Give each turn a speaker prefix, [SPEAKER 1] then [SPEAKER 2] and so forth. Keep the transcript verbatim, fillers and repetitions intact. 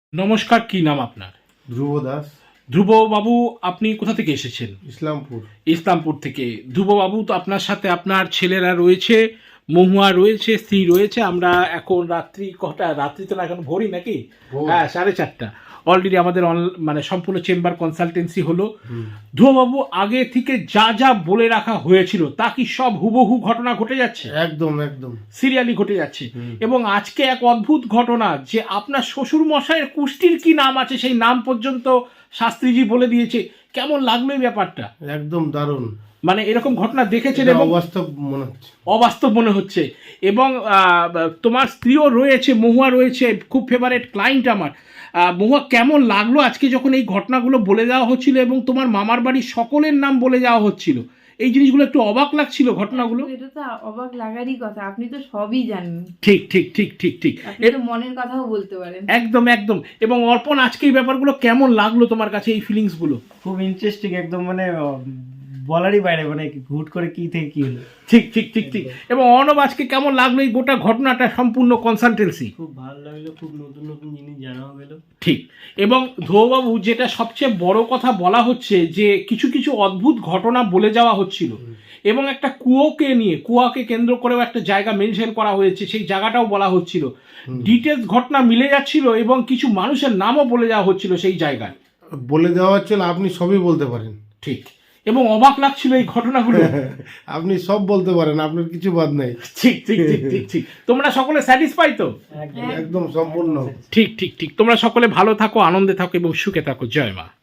[SPEAKER 1] নমস্কার, কি নাম আপনার?
[SPEAKER 2] ধ্রুব দাস।
[SPEAKER 1] ধ্রুব বাবু, আপনি কোথা থেকে এসেছেন?
[SPEAKER 2] ইসলামপুর।
[SPEAKER 1] ইসলামপুর থেকে। ধ্রুব বাবু, তো আপনার সাথে আপনার ছেলেরা রয়েছে, মহুয়া রয়েছে, স্ত্রী রয়েছে। আমরা এখন রাত্রি কটা, রাত্রি তো না, এখন ভোরই নাকি? হ্যাঁ, সাড়ে চারটা। অলরেডি আমাদের মানে সম্পূর্ণ চেম্বার কনসালটেন্সি হলো। ধ্রুববাবু, আগে থেকে যা যা বলে রাখা হয়েছিল তা কি সব হুবহু ঘটনা ঘটে যাচ্ছে?
[SPEAKER 2] একদম একদম
[SPEAKER 1] সিরিয়ালি ঘটে যাচ্ছে। এবং আজকে এক অদ্ভুত ঘটনা, যে আপনার শ্বশুর মশাইয়ের কুষ্টির কি নাম আছে সেই নাম পর্যন্ত শাস্ত্রীজি বলে দিয়েছে। কেমন লাগলো এই ব্যাপারটা?
[SPEAKER 2] একদম দারুণ।
[SPEAKER 1] মানে এরকম ঘটনা দেখেছেন এবং
[SPEAKER 2] অবাস্তব মনে হচ্ছে।
[SPEAKER 1] অবাস্তব মনে হচ্ছে। এবং তোমার স্ত্রীও রয়েছে, মহুয়া রয়েছে, খুব ফেভারেট ক্লায়েন্ট আমার। মহুয়া, কেমন লাগলো আজকে যখন এই ঘটনাগুলো বলে দেওয়া হচ্ছিল এবং তোমার মামার বাড়ির সকলের নাম বলে যাওয়া হচ্ছিল? এই জিনিসগুলো একটু অবাক লাগছিল ঘটনাগুলো?
[SPEAKER 3] এটা তো অবাক লাগারই কথা, আপনি তো সবই জানেন।
[SPEAKER 1] ঠিক ঠিক ঠিক ঠিক ঠিক
[SPEAKER 3] আপনি তো মনের কথাও বলতে পারেন।
[SPEAKER 1] একদম একদম। এবং অর্পণ, আজকে এই ব্যাপারগুলো কেমন লাগলো তোমার কাছে, এই ফিলিংস গুলো?
[SPEAKER 4] খুব ইন্টারেস্টিং, একদম মানে বলারই বাইরে, মানে হুট করে কি থেকে কি হলো।
[SPEAKER 1] ঠিক ঠিক ঠিক ঠিক। এবং অর্ণব, আজকে কেমন লাগলো এই গোটা ঘটনাটা, সম্পূর্ণ কনসালটেন্সি?
[SPEAKER 4] খুব ভালো লাগলো, খুব নতুন নতুন জিনিস জানা গেল।
[SPEAKER 1] ঠিক। এবং ধ্রুববাবু, যেটা সবচেয়ে বড় কথা বলা হচ্ছে, যে কিছু কিছু অদ্ভুত ঘটনা বলে যাওয়া হচ্ছিল এবং একটা কুয়োকে নিয়ে, কুয়াকে কেন্দ্র করেও একটা জায়গা মেনশন করা হয়েছে, সেই জায়গাটাও বলা হচ্ছিল। ডিটেলস ঘটনা মিলে যাচ্ছিল এবং কিছু মানুষের নামও বলে যাওয়া হচ্ছিল সেই জায়গায়।
[SPEAKER 2] বলে দেওয়া হচ্ছিল, আপনি সবই বলতে পারেন।
[SPEAKER 1] ঠিক। এবং অবাক লাগছিল এই ঘটনাগুলো।
[SPEAKER 2] আপনি সব বলতে পারেন, আপনার কিছু বাদ নেই।
[SPEAKER 1] ঠিক ঠিক ঠিক ঠিক ঠিক। তোমরা সকলে স্যাটিসফাই তো?
[SPEAKER 2] একদম সম্পূর্ণ।
[SPEAKER 1] ঠিক ঠিক ঠিক। তোমরা সকলে ভালো থাকো, আনন্দে থাকো এবং সুখে থাকো। জয় মা।